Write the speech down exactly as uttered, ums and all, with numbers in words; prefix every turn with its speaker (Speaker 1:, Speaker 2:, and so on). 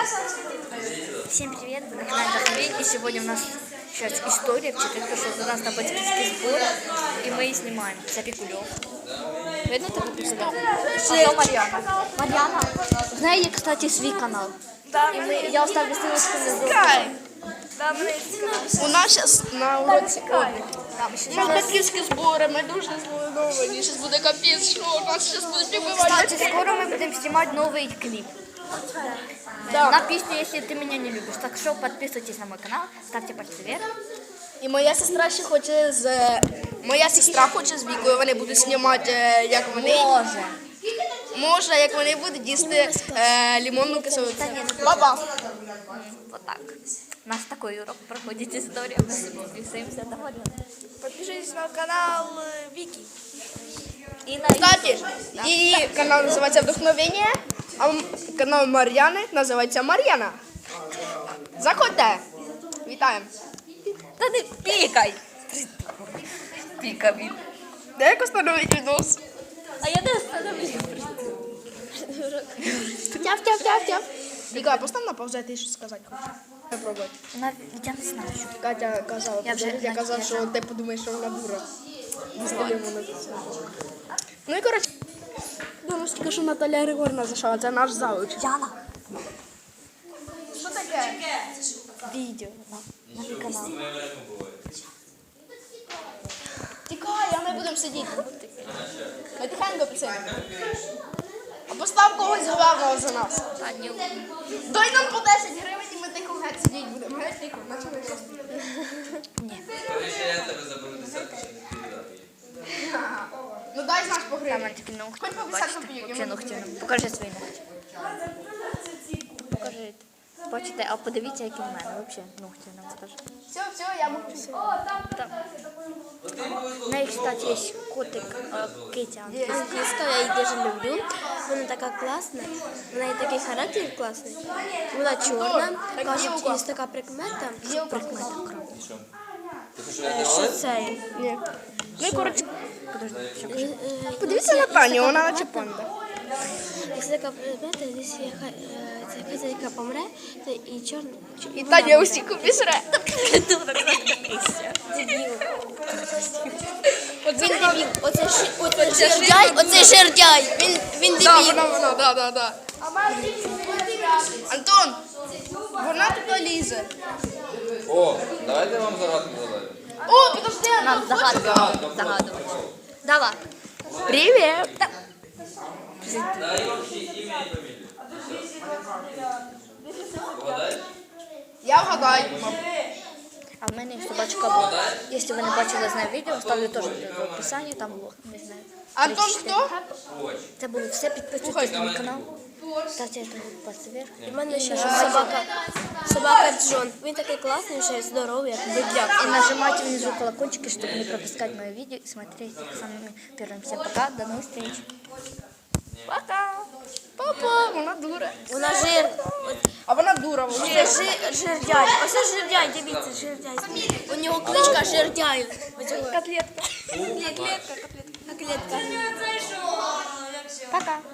Speaker 1: Всем привет, вы на канале Дахмей, и сегодня у нас сейчас история, потому что у нас на батьківський сбор, и мы и снимаем Запекулев. Видно это выписано? А то Марьяна. Марьяна, знаю, кстати, свой канал.
Speaker 2: Да,
Speaker 1: и мы, я оставлю ссылочку внизу.
Speaker 2: У нас зараз на уроці облік. У нас батьківські збори, ми дуже зголодовані. Зараз буде капець, що у нас зараз буде прибивати.
Speaker 1: Кстати, скоро мы будем снимать новый клип.
Speaker 2: Да.
Speaker 1: На песню «Если ты меня не любишь». Так что подписывайтесь на мой канал, ставьте пальцы вверх.
Speaker 2: І моя сестра ще хоче з... Моя сестра хоче з Вікою, вони будуть знімати, як вони...
Speaker 1: Може.
Speaker 2: Може, як вони будуть їсти е, лимонну кислоту.
Speaker 1: Та ні, не
Speaker 2: Баба!
Speaker 1: Вот так. У нас такой урок проходит история. Мы подписываемся. Довольно.
Speaker 2: Підпишитесь на канал Віки.
Speaker 1: И на
Speaker 2: Кстати, її канал називається «Вдохновення», а канал Мар'яни називається «Мар'яна». Заходьте! Вітаємо!
Speaker 1: Да ты пикай! Пикай.
Speaker 2: Де як остановити відос?
Speaker 1: А я не остановлю.
Speaker 2: Тяв, тяв, тяв, тяв. Віка, постав на паузу, я тобі щось сказати хочу. Попробуй.
Speaker 1: Я не знаю, що.
Speaker 2: Катя казала,
Speaker 1: Я вже-
Speaker 2: я казав, що ти подумаєш, що вона дура. Ну і коротше, думаю, тільки що Наталя Григорівна зайшла, це наш завуч.
Speaker 1: Яна.
Speaker 2: Що таке?
Speaker 1: Видео на, на мой канал.
Speaker 2: Тікай, а ми будемо сидіти. Ми тихенько писаємо. А постав когось главного за нас.
Speaker 1: А, не
Speaker 2: Дай нам по десять гривень і ми тихо геть сидіти будемо. Геть тихо, наче ми просто.
Speaker 1: Ні.
Speaker 3: Коли ще я тебе заберу десятку, ще не передати їй.
Speaker 2: Ну дай знаш по
Speaker 1: Там
Speaker 2: гривні.
Speaker 1: мене такі ногті.
Speaker 2: Хоч по
Speaker 1: Бачите?
Speaker 2: десятку п'ють.
Speaker 1: Вообще ногті. Покажи свої ногті. Покажи. Бачите, а подивіться, які в мене. Вообще ногті нам покажи.
Speaker 2: Все, все, я мовчу.
Speaker 1: Там. У неї, кстати, є котик е, Китя.
Speaker 4: Англійська, я її дуже люблю. Вона така класна. В неї такий характер класний. Вона чорна. Кажуть, є така прикмета.
Speaker 1: Прикмета кров.
Speaker 3: Ти хочеш вийти
Speaker 4: Що
Speaker 3: вулицю?
Speaker 4: це?
Speaker 2: Ні. Ну і коротше,
Speaker 4: Е, е,
Speaker 2: подивіться на Таню, вона наче панда.
Speaker 4: Якщо така прикмета, якщо яка, е, ця хазяйка помре, то і чорна.
Speaker 2: І Таня усіку пісре.
Speaker 4: Дебіл. Він дебіл. Оце, ши- оце жердяй, оце жердяй. Він, він
Speaker 2: Да,
Speaker 4: дебіл.
Speaker 2: вона, вона, да, да, да. Антон, вона туди лізе.
Speaker 3: О, давайте я вам загадку задаю.
Speaker 2: О, подожди,
Speaker 1: Нам загадувати. Загадувати. Давай.
Speaker 2: Привіт.
Speaker 3: Дай общее ім'я і фамілію. Вгадай?
Speaker 2: Я вгадаю.
Speaker 1: А в мене є собачка Бог. Якщо ви не бачили з нею відео, ставлю теж в описанні, там Бог, не знаю.
Speaker 2: Антон хто?
Speaker 3: Очі.
Speaker 1: Це було все, підписуйтесь на мій канал. Ставте пальці вверх.
Speaker 4: У мене ще собака, собака Джон. Він такий класний, ще й здоровий, як бедляк.
Speaker 1: И нажимайте внизу колокольчики, чтобы не пропускать мои видео и смотреть их самыми первыми. Всем пока, до новых встреч.
Speaker 2: Пока. Папа, вона дура.
Speaker 4: Вона жир.
Speaker 2: А вона дура.
Speaker 4: Це жи- жердяй. Оце жердяй, дивіться, жердяй. У нього кличка жердяй.
Speaker 2: Котлетка.
Speaker 4: Котлетка, котлетка. Котлетка.
Speaker 1: Пока.